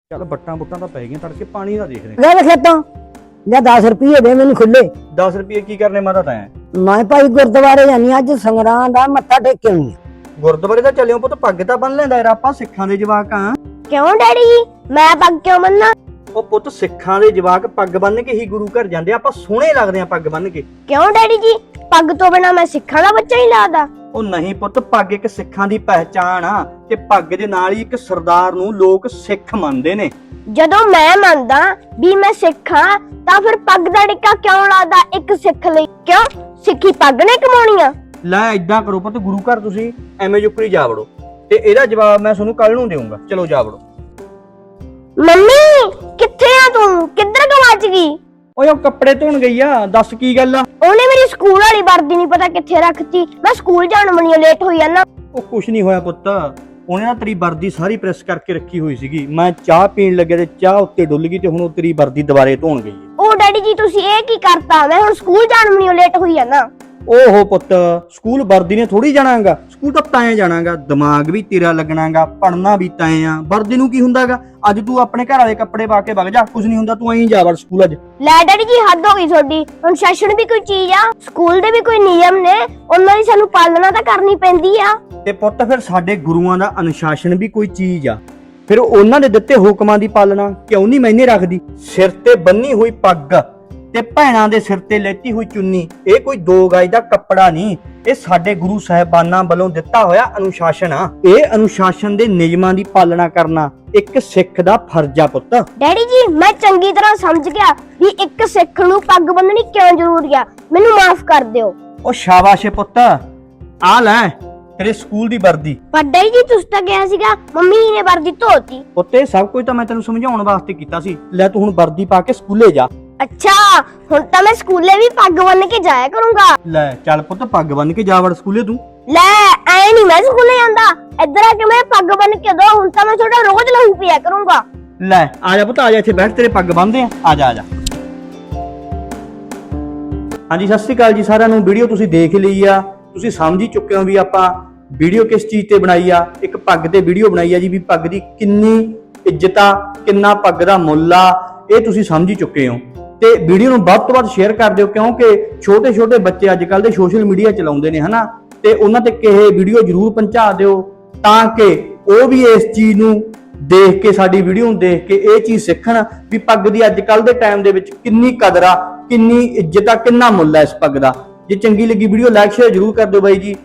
ਚੱਲ ਬੱਟਾਂ ਬੁੱਟਾਂ ਤਾਂ ਪੈ ਗਈਆਂ, ਤੜਕੇ ਪਾਣੀ ਦਾ ਦੇਖਦੇ ਲੈ ਖੇਤੋਂ ਜਾਂ 10 ਰੁਪਏ ਦੇ ਮੈਨੂੰ ਖੁੱਲੇ। 10 ਰੁਪਏ ਕੀ ਕਰਨੇ ਮਾਤਾ ਤੈਂ? ਮੈਂ ਭਾਈ ਗੁਰਦੁਆਰੇ ਜਾਨੀ ਅੱਜ ਸੰਗਰਾਂ ਦਾ ਮੱਥਾ ਟੇਕ ਕੇ ਆਉਣੀ ਆ। ਗੁਰਦੁਆਰੇ ਤਾਂ ਚੱਲਿਓ ਪੁੱਤ, ਪੱਗ ਤਾਂ ਬੰਨ ਲੈਂਦਾ ਯਾਰ, ਆਪਾਂ ਸਿੱਖਾਂ ਦੇ ਜਵਾਕ ਆ। ਕਿਉਂ ਡੈਡੀ ਜੀ, ਮੈਂ ਪੱਗ ਕਿਉਂ ਬੰਨਾਂ? ਉਹ ਪੁੱਤ ਸਿੱਖਾਂ ਦੇ ਜਵਾਕ ਪੱਗ ਬੰਨ ਕੇ ਹੀ ਗੁਰੂ ਘਰ ਜਾਂਦੇ, ਆਪਾਂ ਸੋਹਣੇ ਲੱਗਦੇ ਆ ਪੱਗ ਬੰਨ ਕੇ। ਕਿਉਂ ਡੈਡੀ ਜੀ, ਪੱਗ ਤੋਂ ਬਿਨਾ ਮੈਂ ਸਿੱਖਾਂ ਦਾ ਬੱਚਾ ਹੀ ਲੱਗਦਾ? ਉਹ ਨਹੀਂ ਪੁੱਤ, ਪੱਗ ਇੱਕ ਸਿੱਖਾਂ ਦੀ ਪਹਿਚਾਣ ਆ ਤੇ ਪੱਗ ਦੇ ਨਾਲ ਹੀ ਇੱਕ ਸਰਦਾਰ ਨੂੰ ਲੋਕ ਸਿੱਖ ਮੰਨਦੇ ਨੇ। ਜਦੋਂ ਮੈਂ ਮੰਨਦਾ ਵੀ ਮੈਂ ਸਿੱਖ ਹਾਂ ਤਾਂ ਫਿਰ ਪੱਗ ਦਾ ਟਿੱਕਾ ਕਿਉਂ ਲਾਦਾ ਇੱਕ ਸਿੱਖ ਲਈ? ਕਿਉਂ ਸਿੱਖੀ ਪੱਗ ਨੇ ਕਮਾਉਣੀ ਆ? ਲੈ ਏਦਾਂ ਕਰੋ ਪੁੱਤ, ਗੁਰੂ ਘਰ ਤੁਸੀਂ ਐਵੇਂ ਜੁਕਰੀ ਜਾ ਵੜੋ ਤੇ ਇਹਦਾ ਜਵਾਬ ਮੈਂ ਤੁਹਾਨੂੰ ਕੱਲ ਨੂੰ ਦੇਵਾਂਗਾ। ਚਲੋ ਜਾ ਵੜੋ। ਮੰਮੀ ਕਿੱਥੇ ਆ ਤੂੰ? ਕਿੱਧਰ ਗਵਾਚ ਗਈ? ਓਏ ਉਹ ਕੱਪੜੇ ਧੋਣ ਗਈ ਆ, ਦੱਸ ਕੀ ਗੱਲ ਆ? ਉਹਨੇ ਮੇਰੀ ਸਕੂਲ ਵਾਲੀ ਵਰਦੀ ਨਹੀਂ ਪਤਾ ਕਿੱਥੇ ਰੱਖਤੀ, ਮੈਂ ਸਕੂਲ ਜਾਣ ਮਣੀਓ ਲੇਟ ਹੋਈ ਆ ਨਾ। ਉਹ ਕੁਛ ਨਹੀਂ ਹੋਇਆ ਪੁੱਤ, ਉਹਨੇ ਨਾ ਤੇਰੀ ਵਰਦੀ ਸਾਰੀ ਪ੍ਰੈਸ ਕਰਕੇ ਰੱਖੀ ਹੋਈ ਸੀਗੀ, ਮੈਂ ਚਾਹ ਪੀਣ ਲੱਗਿਆ ਤੇ ਚਾਹ ਉੱਤੇ ਡੁੱਲ ਗਈ ਤੇ ਹੁਣ ਉਹ ਤੇਰੀ ਵਰਦੀ ਦੁਬਾਰੇ ਧੋਣ ਗਈ ਹੈ। ਉਹ ਡੈਡੀ ਜੀ ਤੁਸੀਂ ਇਹ ਕੀ ਕਰਤਾ? ਮੈਂ ਹੁਣ ਸਕੂਲ ਜਾਣ ਮਣੀਓ ਲੇਟ ਹੋਈ ਆ ਨਾ। ਓਹੋ ਪੁੱਤ, ਸਕੂਲ ਵਰਦੀ ਨੇ ਥੋੜੀ ਜਾਣਾਗਾ, ਸਕੂਲ ਤਾਂ ਤੈਂ ਜਾਣਾਗਾ, ਦਿਮਾਗ ਵੀ ਤੇਰਾ ਲੱਗਣਾਗਾ, ਪੜਨਾ ਵੀ ਤੈਂ ਆ, ਵਰਦੀ ਨੂੰ ਕੀ ਹੁੰਦਾਗਾ? ਅੱਜ ਤੂੰ ਆਪਣੇ ਘਰ ਵਾਲੇ ਕੱਪੜੇ ਪਾ ਕੇ ਵਗ ਜਾ, ਕੁਝ ਨਹੀਂ ਹੁੰਦਾ, ਤੂੰ ਐਂ ਜਾ ਵੜ ਸਕੂਲ ਅੱਜ। ਲੈ ਡੈਡੀ ਜੀ ਹੱਦ ਹੋ ਗਈ ਤੁਹਾਡੀ, ਅਨੁਸ਼ਾਸਨ ਵੀ ਕੋਈ ਚੀਜ਼ ਆ, ਸਕੂਲ ਦੇ ਵੀ ਕੋਈ ਨਿਯਮ ਨੇ, ਉਹਨਾਂ ਦੀ ਸਾਨੂੰ ਪਾਲਣਾ ਤਾਂ ਕਰਨੀ ਪੈਂਦੀ ਆ। ਤੇ ਪੁੱਤ ਫਿਰ ਸਾਡੇ ਗੁਰੂਆਂ ਦਾ ਅਨੁਸ਼ਾਸਨ ਵੀ ਕੋਈ ਚੀਜ਼ ਆ, ਫਿਰ ਉਹਨਾਂ ਦੇ ਦਿੱਤੇ ਹੁਕਮਾਂ ਦੀ ਪਾਲਣਾ ਕਿਉਂ ਨਹੀਂ ਮੈਨੇ ਰੱਖਦੀ? ਸਿਰ ਤੇ ਬੰਨੀ ਹੋਈ ਪੱਗ ਤੇ ਭੈਣਾਂ ਦੇ ਸਿਰ ਤੇ ਲੈਤੀ ਹੋਈ ਚੁੰਨੀ, ਇਹ ਕੋਈ 2 ਗਜ ਦਾ ਕੱਪੜਾ ਨਹੀਂ, ਇਹ ਸਾਡੇ ਗੁਰੂ ਸਾਹਿਬਾਨਾਂ ਵੱਲੋਂ ਦਿੱਤਾ ਹੋਇਆ ਅਨੁਸ਼ਾਸਨ ਆ। ਇਹ ਅਨੁਸ਼ਾਸਨ ਦੇ ਨਿਯਮਾਂ ਦੀ ਪਾਲਣਾ ਕਰਨਾ ਇੱਕ ਸਿੱਖ ਦਾ ਫਰਜ਼ ਆ ਪੁੱਤ। ਡੈਡੀ ਜੀ ਮੈਂ ਚੰਗੀ ਤਰ੍ਹਾਂ ਸਮਝ ਗਿਆ ਵੀ ਇੱਕ ਸਿੱਖ ਨੂੰ ਪੱਗ ਬੰਨਣੀ ਕਿਉਂ ਜ਼ਰੂਰੀ ਆ, ਮੈਨੂੰ ਮਾਫ ਕਰ ਦਿਓ। ਉਹ ਸ਼ਾਬਾਸ਼ ਏ ਪੁੱਤ, ਆ ਲੈ ਤੇਰੇ ਸਕੂਲ ਦੀ ਵਰਦੀ। ਪਰ ਡੈਡੀ ਜੀ ਤੁਸੀਂ ਤਾਂ ਕਿਹਾ ਸੀਗਾ ਮੰਮੀ ਨੇ ਵਰਦੀ ਧੋਤੀ। ਪੁੱਤ ਇਹ ਸਭ ਕੁਝ ਤਾਂ ਮੈਂ ਤੈਨੂੰ ਸਮਝਾਉਣ ਵਾਸਤੇ ਕੀਤਾ ਸੀ। ਲੈ ਤੂੰ ਹੁਣ ਵਰਦੀ ਪਾ ਕੇ ਸਕੂਲੇ ਜਾ। ਅੱਛਾ ਹੁਣ ਤਾਂ ਮੈਂ ਸਕੂਲੇ ਵੀ ਪੱਗ ਬੰਨ ਕੇ ਜਾਇਆ ਕਰੂੰਗਾ। ਲੈ ਚੱਲ ਪੁੱਤ, ਪੱਗ ਬੰਨ ਕੇ ਜਾ ਵੜ ਸਕੂਲੇ ਤੂੰ। ਲੈ ਐ ਨਹੀਂ ਮੈਂ ਸਕੂਲੇ ਜਾਂਦਾ, ਇੱਧਰ ਆ ਕੇ ਮੈਂ ਪੱਗ ਬੰਨ ਕੇ ਦੋ, ਹੁਣ ਤਾਂ ਮੈਂ ਤੁਹਾਡਾ ਰੋਜ਼ ਲਹੂ ਪੀਆ ਕਰੂੰਗਾ। ਲੈ ਆ ਜਾ ਪੁੱਤ, ਆ ਜਾ ਇੱਥੇ ਬੈਠ, ਤੇਰੇ ਪੱਗ ਬੰਨਦੇ ਆ ਜਾ ਆ ਜਾ। ਹਾਂਜੀ ਸਤਿ ਸ਼੍ਰੀ ਅਕਾਲ ਜੀ ਸਾਰਿਆਂ ਨੂੰ। ਵੀਡੀਓ ਤੁਸੀਂ ਦੇਖ ਲਈ ਆ, ਤੁਸੀਂ ਸਮਝ ਹੀ ਚੁੱਕੇ ਹੋ ਵੀ ਆਪਾਂ ਵੀਡੀਓ ਕਿਸ ਚੀਜ਼ ਤੇ ਬਣਾਈ ਆ। ਇੱਕ ਪੱਗ ਤੇ ਵੀਡੀਓ ਬਣਾਈ ਆ ਜੀ, ਵੀ ਪੱਗ ਦੀ ਕਿੰਨੀ ਇੱਜ਼ਤ ਆ, ਕਿੰਨਾ ਪੱਗ ਦਾ ਮੁੱਲ ਆ, ਇਹ ਤੁਸੀਂ ਸਮਝ ਹੀ ਚੁੱਕੇ ਹੋ। ਤੇ ਵੀਡੀਓ ਨੂੰ ਵੱਧ ਤੋਂ ਵੱਧ ਸ਼ੇਅਰ ਕਰ ਦਿਓ, ਕਿਉਂਕਿ ਛੋਟੇ ਛੋਟੇ ਬੱਚੇ ਅੱਜ ਕੱਲ ਦੇ ਸੋਸ਼ਲ ਮੀਡੀਆ ਚਲਾਉਂਦੇ ਨੇ ਹਨਾ, ਤੇ ਉਹਨਾਂ ਤੇ ਇਹ ਵੀਡੀਓ ਜ਼ਰੂਰ ਪਹੁੰਚਾ ਦਿਓ ਤਾਂ ਕਿ ਉਹ ਵੀ ਇਸ ਚੀਜ਼ ਨੂੰ ਦੇਖ ਕੇ, ਸਾਡੀ ਵੀਡੀਓ ਨੂੰ ਦੇਖ ਕੇ ਇਹ ਚੀਜ਼ ਸਿੱਖਣ ਵੀ ਪੱਗ ਦੀ ਅੱਜ ਕੱਲ ਦੇ ਟਾਈਮ ਦੇ ਵਿੱਚ ਕਿੰਨੀ ਕਦਰ ਆ, ਕਿੰਨੀ ਇੱਜ਼ਤ ਆ, ਕਿੰਨਾ ਮੁੱਲ ਆ ਇਸ ਪੱਗ ਦਾ। ਜੇ ਚੰਗੀ ਲੱਗੀ ਵੀਡੀਓ ਲਾਈਕ ਸ਼ੇਅਰ ਜ਼ਰੂਰ ਕਰ ਦਿਓ ਬਾਈ ਜੀ।